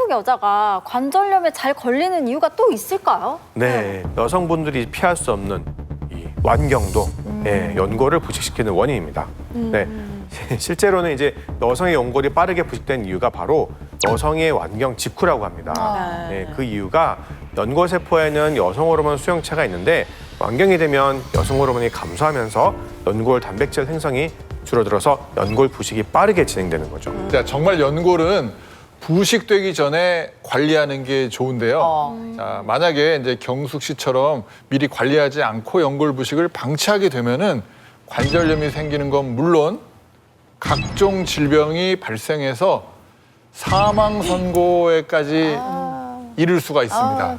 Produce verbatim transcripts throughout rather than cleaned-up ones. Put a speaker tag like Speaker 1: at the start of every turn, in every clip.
Speaker 1: 한국 여자가 관절염에 잘 걸리는 이유가 또 있을까요?
Speaker 2: 네, 여성분들이 피할 수 없는 이 완경도
Speaker 1: 음.
Speaker 2: 예, 연골을 부식시키는 원인입니다. 네, 실제로는 이제 여성의 연골이 빠르게 부식된 이유가 바로 여성의 완경 직후라고 합니다.
Speaker 1: 아.
Speaker 2: 네, 그 이유가 연골 세포에는 여성 호르몬 수용체가 있는데 완경이 되면 여성 호르몬이 감소하면서 연골 단백질 생성이 줄어들어서 연골 부식이 빠르게 진행되는 거죠.
Speaker 3: 자, 정말 연골은 부식되기 전에 관리하는 게 좋은데요.
Speaker 4: 어.
Speaker 3: 자, 만약에 이제 경숙 씨처럼 미리 관리하지 않고 연골 부식을 방치하게 되면은 관절염이 생기는 건 물론 각종 질병이 발생해서 사망 선고에까지 이를 수가 있습니다.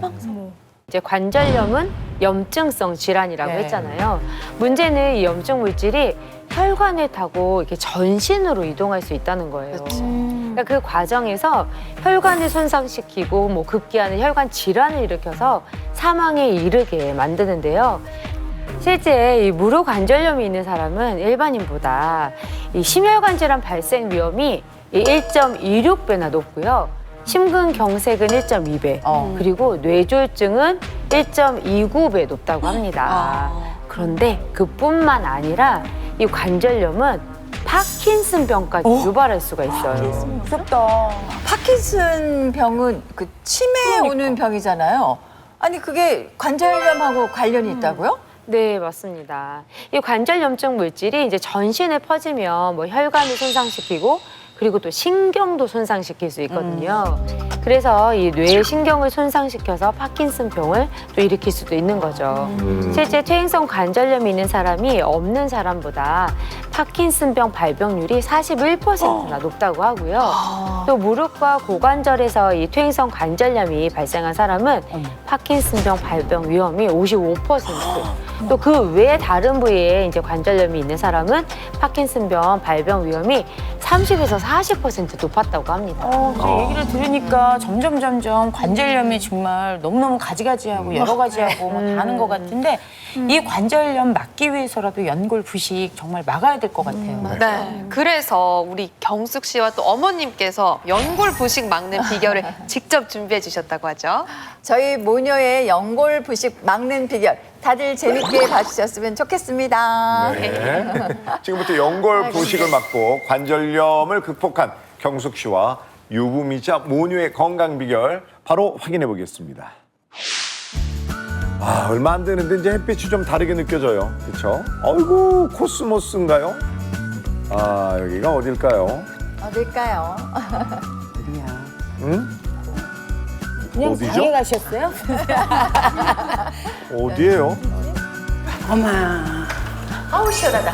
Speaker 5: 이제 관절염은 염증성 질환이라고
Speaker 4: 네.
Speaker 5: 했잖아요. 문제는 이 염증 물질이 혈관을 타고 이렇게 전신으로 이동할 수 있다는 거예요. 그러니까 그 과정에서 혈관을 손상시키고 뭐 급기야는 혈관 질환을 일으켜서 사망에 이르게 만드는데요. 실제 이 무릎 관절염이 있는 사람은 일반인보다 이 심혈관 질환 발생 위험이 일 점 이육 배나 높고요. 심근경색은 일 점 이 배,
Speaker 4: 어.
Speaker 5: 그리고 뇌졸중은 일 점 이구 배 높다고 합니다.
Speaker 4: 아.
Speaker 5: 그런데 그뿐만 아니라 이 관절염은 파킨슨병까지 유발할 수가 있어요.
Speaker 4: 무섭다. 파킨슨 병은 그 치매에 오는 병이잖아요. 아니 그게 관절염하고 관련이 있다고요?
Speaker 5: 네, 맞습니다. 이 관절염증 물질이 이제 전신에 퍼지면 뭐 혈관을 손상시키고 그리고 또 신경도 손상시킬 수 있거든요. 그래서 이 뇌의 신경을 손상시켜서 파킨슨병을 또 일으킬 수도 있는 거죠. 실제 퇴행성 관절염이 있는 사람이 없는 사람보다 파킨슨병 발병률이 사십일 퍼센트나 높다고 하고요. 또 무릎과 고관절에서 이 퇴행성 관절염이 발생한 사람은 파킨슨병 발병 위험이 오십오 퍼센트. 또 그 외에 다른 부위에 이제 관절염이 있는 사람은 파킨슨병 발병 위험이 삼십에서 사십 퍼센트 높았다고 합니다.
Speaker 6: 어, 그 얘기를 들으니까 점점 점점 관절염이 정말 너무너무 가지가지하고 여러 가지하고 뭐 다 하는 것 같은데 이 관절염 막기 위해서라도 연골 부식 정말 막아야 될 것 같아요.
Speaker 7: 네. 그래서 우리 경숙 씨와 또 어머님께서 연골 부식 막는 비결을 직접 준비해 주셨다고 하죠.
Speaker 4: 저희 모녀의 연골 부식 막는 비결 다들 재밌게 봐주셨으면 좋겠습니다.
Speaker 8: 네. 지금부터 연골 부식을 막고 관절염을 극복한 경숙 씨와 유부미자 모녀의 건강 비결 바로 확인해 보겠습니다. 아, 얼마 안 되는데 이제 햇빛이 좀 다르게 느껴져요. 그렇죠? 어이구, 코스모스인가요? 아, 여기가 어딜까요?
Speaker 4: 어딜까요?
Speaker 8: 응?
Speaker 6: 그냥
Speaker 8: 어디죠?
Speaker 6: 방에 가셨어요?
Speaker 8: 어디예요?
Speaker 9: 어마,
Speaker 4: 아우 시원하다.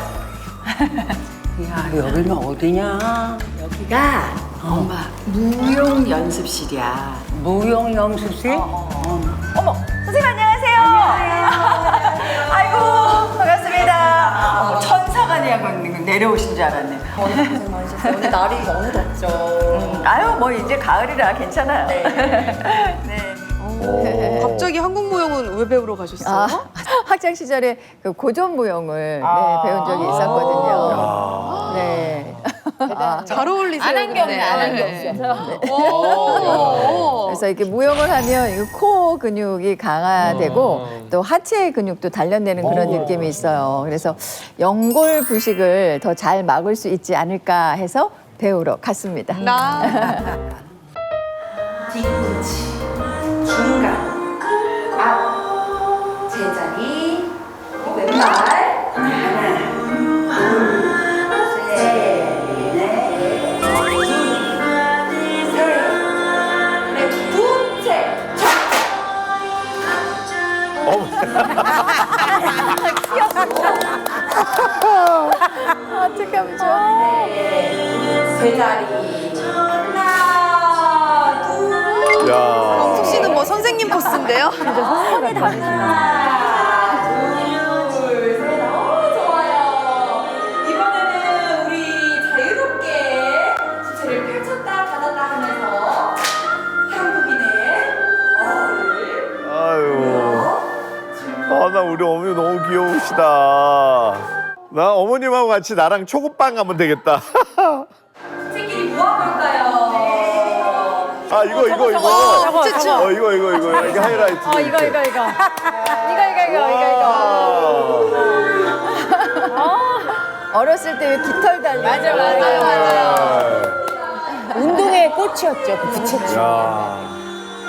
Speaker 9: 야 여기는 어디냐?
Speaker 10: 여기가 엄마 무용 연습실이야.
Speaker 9: 무용 연습실?
Speaker 4: 어머, 선생님 안녕하세요. 안녕하세요. 아이고 반갑습니다. 어머, 천사가 내려오신 줄 알았네.
Speaker 10: 오늘 고생 많으셨어요. 오늘 날이 너무 덥죠.
Speaker 4: 음, 아유 뭐 이제 가을이라 괜찮아요. 네.
Speaker 7: 갑자기 한국 무용은 왜 배우러 가셨어요?
Speaker 4: 아, 학창 시절에 그 고전 무용을 네, 배운 적이 있었거든요. 네.
Speaker 7: 잘 어울리세요.
Speaker 6: 안 한 게 없네, 안 한 게
Speaker 7: 네.
Speaker 6: 없어.
Speaker 7: 오.
Speaker 4: 그래서 이렇게 무용을 하면 이 코 근육이 강화되고 또 하체 근육도 단련되는 그런 느낌이 있어요. 그래서 연골 부식을 더 잘 막을 수 있지 않을까 해서 배우러 갔습니다.
Speaker 7: 나.
Speaker 10: 뒤꿈치, 중간, 앞, 제자리, 왼발. 하나, 둘, 셋, 넷, 둘, 셋, 넷, 둘, 셋.
Speaker 4: 어떡하면 좋아.
Speaker 10: 제자리. 하나, 둘,
Speaker 8: 야.
Speaker 7: 경숙 씨는 뭐 선생님 포스인데요?
Speaker 4: 손이 다르시나.
Speaker 10: 하나, 둘, 셋. 어, 좋아요. 이번에는 우리 자유롭게 주체를 펼쳤다 닫았다 하면서 한국인의 어를
Speaker 8: 아유. 아, 나 우리 어머니 너무 귀여우시다. 나 어머님하고 같이 나랑 초급반 가면 되겠다.
Speaker 10: 새끼리 뭐 할 걸까요?
Speaker 8: 아 이거 이거 이거. 어 이거 이거 이거 이게 하이라이트.
Speaker 1: 어, 이거, 이거, 이거. 이거, 이거, 이거, 이거, 이거.
Speaker 4: 어렸을 때 깃털 달린 맞아
Speaker 6: 맞아요, 맞아요. 운동의 꽃이었죠, 그 부채춤.
Speaker 8: 야.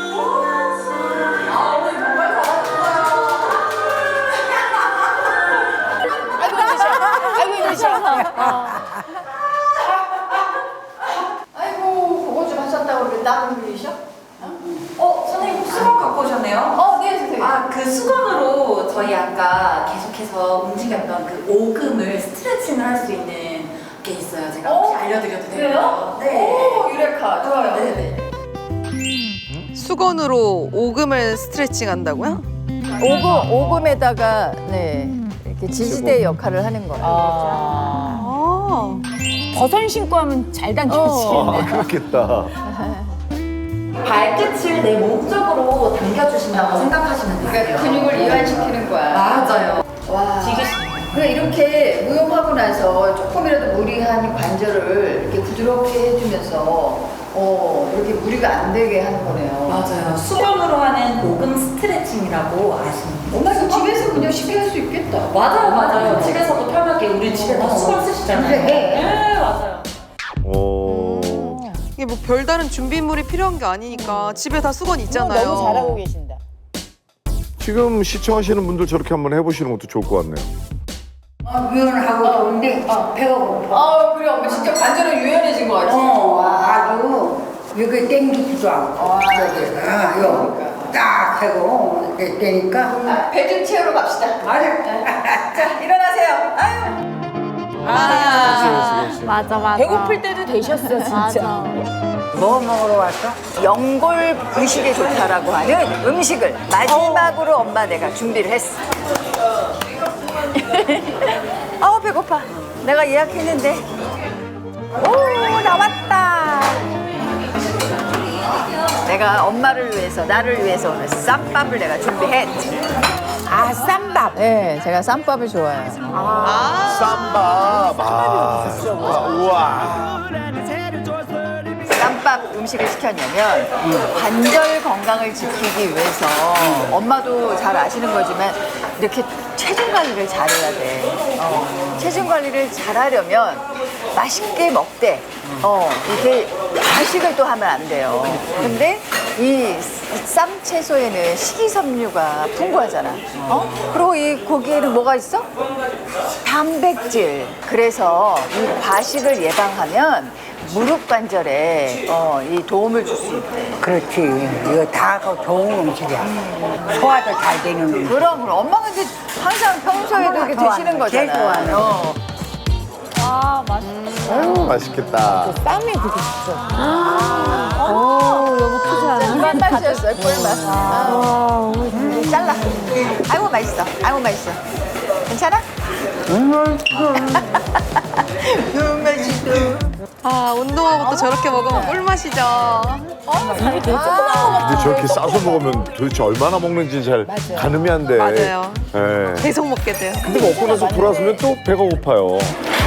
Speaker 6: 아이고, 이러셔.
Speaker 4: 아이고 그거 좀 하셨다고 그래 땀 흘리셔?
Speaker 10: 어, 선생님 수건 갖고 오셨네요?
Speaker 4: 어, 네 선생님.
Speaker 10: 아, 그 수건으로 저희 아까 계속해서 움직였던 그 오금을 스트레칭을 할 수 있는 게 있어요. 제가 혹시 알려드려도 될까요? 네.
Speaker 4: 오 유레카 좋아요.
Speaker 10: 네네.
Speaker 7: 수건으로 오금을 스트레칭 한다고요?
Speaker 4: 오금 오금에다가 네 이렇게 지지대 역할을 하는 거예요.
Speaker 6: 아. 버선 신고 하면 잘 당겨지겠네.
Speaker 8: 아 그렇겠다.
Speaker 10: 발끝을 내 몸쪽으로 당겨주신다고 생각하시면 돼요.
Speaker 4: 그러니까 근육을 이완시키는 거야.
Speaker 10: 맞아요.
Speaker 4: 와. 그러니까 이렇게 무용하고 나서 조금이라도 무리한 관절을 이렇게 부드럽게 해주면서 어 이렇게 무리가 안 되게 하는 거네요.
Speaker 10: 맞아요. 수건으로 하는 오금 스트레칭이라고 아시는
Speaker 4: 엄마 이거 집에서 그냥 쉽게 할 수 있겠다.
Speaker 10: 맞아요, 맞아요. 집에서도 편하게 우리 집에 다 수건 쓰시잖아요.
Speaker 4: 그래.
Speaker 10: 네, 맞아요.
Speaker 8: 오.
Speaker 7: 이게 뭐 별다른 준비물이 필요한 게 아니니까 집에 다 수건 있잖아요.
Speaker 6: 너무 잘하고 계신다.
Speaker 8: 지금 시청하시는 분들 저렇게 한번 해보시는 것도 좋을 것 같네요.
Speaker 9: 아, 유연하고 좋은데 배가 고파.
Speaker 4: 아 그래 엄마 진짜 관절은 유연해진 것 같지.
Speaker 9: 어, 아주 여기 땡기지도 않고 저기 아, 요딱 하고 이렇게 되니까
Speaker 4: 배 좀 채우러 갑시다.
Speaker 9: 맞아.
Speaker 4: 자 일어나세요. 아유.
Speaker 1: 아, 맞아, 맞아.
Speaker 6: 배고플 때도 되셨어, 진짜.
Speaker 1: 맞아.
Speaker 9: 뭐 먹으러 왔어?
Speaker 4: 연골 부식에 좋다라고 하는 음식을 마지막으로 엄마 내가 준비를 했어. 아우 배고파. 내가 예약했는데. 오 나왔다. 내가 엄마를 위해서 나를 위해서 오늘 쌈밥을 내가 준비했지.
Speaker 6: 아, 쌈밥.
Speaker 4: 네, 제가 쌈밥을 좋아해요.
Speaker 8: 쌈밥. 아, 우와.
Speaker 4: 쌈밥 음식을 시켰냐면 관절 건강을 지키기 위해서 엄마도 잘 아시는 거지만 이렇게 체중 관리를 잘해야 돼. 어, 체중 관리를 잘하려면 맛있게 먹되 어, 이렇게 과식을 또 하면 안 돼요. 근데 이 쌈 채소에는 식이섬유가 풍부하잖아. 어? 그리고 이 고기에는 뭐가 있어? 단백질. 그래서 이 과식을 예방하면 무릎 관절에 어, 이 도움을 줄 수 있대.
Speaker 9: 그렇지. 이거 다 좋은 음식이야. 소화도 잘 되는 음식.
Speaker 4: 그럼 그럼 엄마가 근데 항상 평소에도 이렇게
Speaker 9: 좋아하는
Speaker 4: 드시는
Speaker 9: 거, 제일
Speaker 4: 거잖아.
Speaker 9: 좋아하는
Speaker 4: 어.
Speaker 1: 아, 맛있어.
Speaker 8: 아유, 맛있겠다.
Speaker 6: 쌈이 그게 진짜.
Speaker 1: 오, 여보 크지 않아?
Speaker 4: 꿀 맛이었어요, 꿀맛. 아, 잘라. 아이고 맛있어. 아이고 맛있어. 괜찮아? 음, 맛있어.
Speaker 7: 아, 운동하고 또 저렇게 먹으면 꿀맛이죠.
Speaker 8: 근데 저렇게 싸서 먹으면 도대체 얼마나 먹는지 잘 가늠이 안 돼.
Speaker 7: 맞아요.
Speaker 8: 예.
Speaker 7: 계속 먹게 돼요.
Speaker 8: 근데 먹고 나서 돌아서면 또 배가 고파요.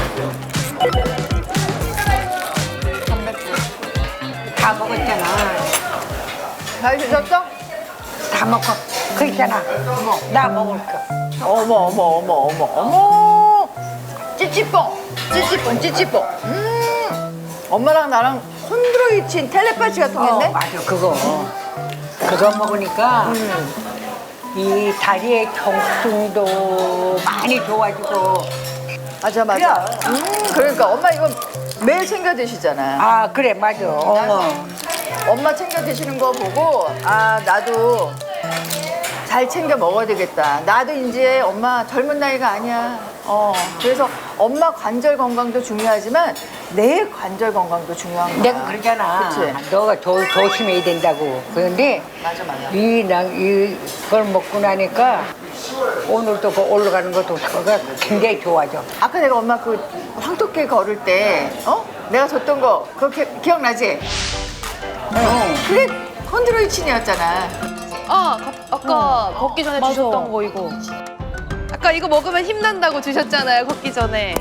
Speaker 9: 다 먹었잖아.
Speaker 4: 잘 드셨어?
Speaker 9: 다 먹고. 그 있잖아. 나 먹을 거.
Speaker 4: 어머 어머 어머 어머 어머 찌찌뽕 찌찌뽕 찌찌뽕 음 엄마랑 나랑 콘드로이친 텔레파시가
Speaker 9: 어,
Speaker 4: 통했네.
Speaker 9: 맞아, 그거. 그거 먹으니까 이 다리의 통증도 많이 좋아지고.
Speaker 4: 맞아 맞아. 음 그러니까 엄마 이거 매일 챙겨 드시잖아.
Speaker 9: 아, 그래, 맞아. 어.
Speaker 4: 엄마 챙겨 드시는 거 보고 아 나도 잘 챙겨 먹어야 되겠다. 나도 이제 엄마 젊은 나이가 아니야. 어 그래서 엄마 관절 건강도 중요하지만 내 관절 건강도 중요한 거야.
Speaker 9: 내가 그러잖아.
Speaker 4: 그치?
Speaker 9: 너가 조, 조심해야 된다고. 그런데
Speaker 4: 맞아 맞아.
Speaker 9: 이, 나, 이걸 먹고 나니까 오늘도 그 올라가는 것도 그가 굉장히 좋아져.
Speaker 4: 아까 내가 엄마 그 황토끼 걸을 때 어? 내가 줬던 거 그거 기, 기억나지? 어. 그게 콘드로이친이었잖아.
Speaker 7: 아, 아까 걷기 전에 주셨던 거 이거. 아까 이거 먹으면 힘난다고 주셨잖아요, 걷기 전에.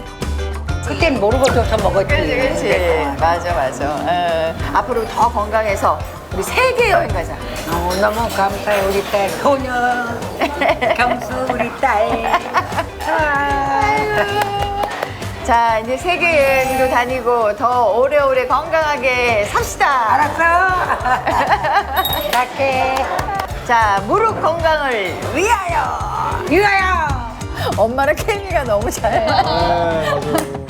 Speaker 9: 그땐 모르고 줘서 먹었지.
Speaker 4: 그렇지 그렇지. 맞아 맞아. 어, 앞으로 더 건강해서 우리 세계 여행 가자.
Speaker 9: 너무너무 감사해 우리 딸 소녀 경수 우리 딸.
Speaker 4: 자, 이제 세계 여행도 다니고 더 오래오래 건강하게 삽시다.
Speaker 9: 알았어. 갈게.
Speaker 4: 자, 무릎 건강을 위하여.
Speaker 9: 유아야.
Speaker 4: 엄마랑 케미가 너무 잘해.